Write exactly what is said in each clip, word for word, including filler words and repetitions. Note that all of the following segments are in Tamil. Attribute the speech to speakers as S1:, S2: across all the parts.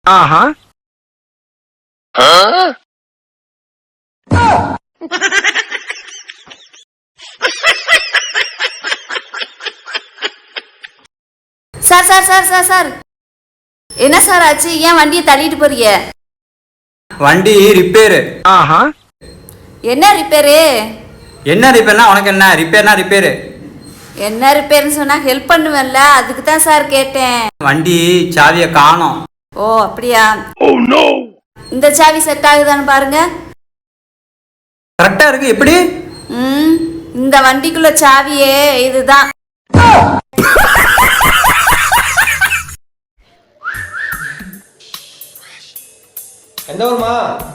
S1: ஆஹா.
S2: Sir sir sir sir sir என்ன சார் ஆச்சு? ஏன் வண்டியை தள்ளிட்டு போறீங்க?
S3: வண்டி ரிப்பேரு.
S1: ஆஹா.
S2: என்ன ரிப்பேரு?
S3: என்ன ரிப்பேர்னா உனக்கு என்ன? ரிப்பேர்னா ரிப்பேரு.
S2: என்ன ரிப்பேர்னு சொன்னா ஹெல்ப் பண்ணுவேன்ல, அதுக்கு தான் சார் கேட்டேன்.
S3: வண்டி சாவியை காணோம்.
S2: ஓ அப்படியா?
S1: Oh no.
S2: இந்த சாவி செட் ஆகுதான்னு பாருங்க.
S3: கரெக்டா இருக்கு. எப்படி?
S2: ம் இந்த வண்டிக்குள்ள சாவியே இதுதான்.
S4: எந்த ஊர்மா?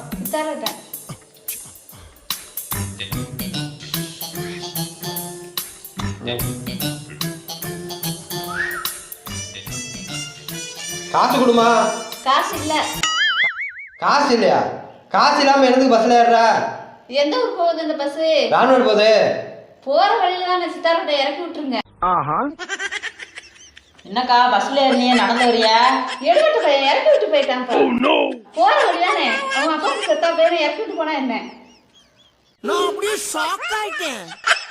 S4: காசு கொடுமா.
S2: காசு இல்ல.
S4: காசு இல்லையா? காசு இல்லாம எனக்கு பஸ்ல ஏறுற?
S2: எந்த ஊர் போகுது இந்த பஸ்?
S4: ராணுவ போகுது.
S2: போற வழியில தான் சித்தாரோட இறக்கி விட்டுருங்க.
S1: ஆஹா.
S5: என்னக்கா பஸ்ல ஏறினிய நடந்து வரியா?
S2: எடுத்துட்டு போய் இறக்கி விட்டு போயிட்டாங்க.
S1: Oh no.
S2: போற வழி தானே, அவங்க அப்பா செத்தா பேரை இறக்கி விட்டு போனா என்ன?
S6: நான் அப்படியே ஷாக் ஆயிட்டேன்.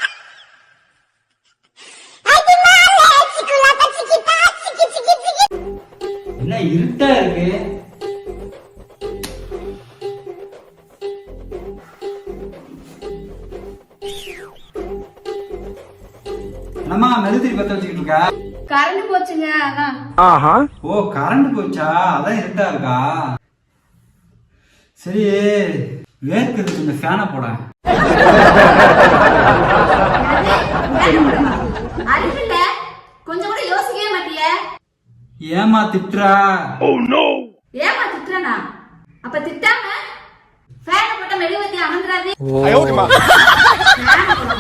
S3: என்ன இருட்டா இருக்கு? என்னம்மா மெழுதிரி பத்த வச்சுக்கிட்டு இருக்கா?
S2: கரண்ட் போச்சுங்க அதான்.
S1: ஆஹா.
S3: ஓ கரண்ட் போச்சா? அதான் இருட்டா இருக்கா? சரி வேர்க்குது, கொஞ்சம் ஃபேனை போட.
S2: அறிவில்ல, கொஞ்சம் கூட யோசிக்கவே மாட்டிய.
S3: ஏமா திட்டுறா?
S1: Oh no.
S2: ஏமா திட்டுறனா? அப்ப திட்டாம ஃபேன் போட்ட மெழுகுவத்தி அமர்ந்துராது.
S1: ஐயோ அம்மா.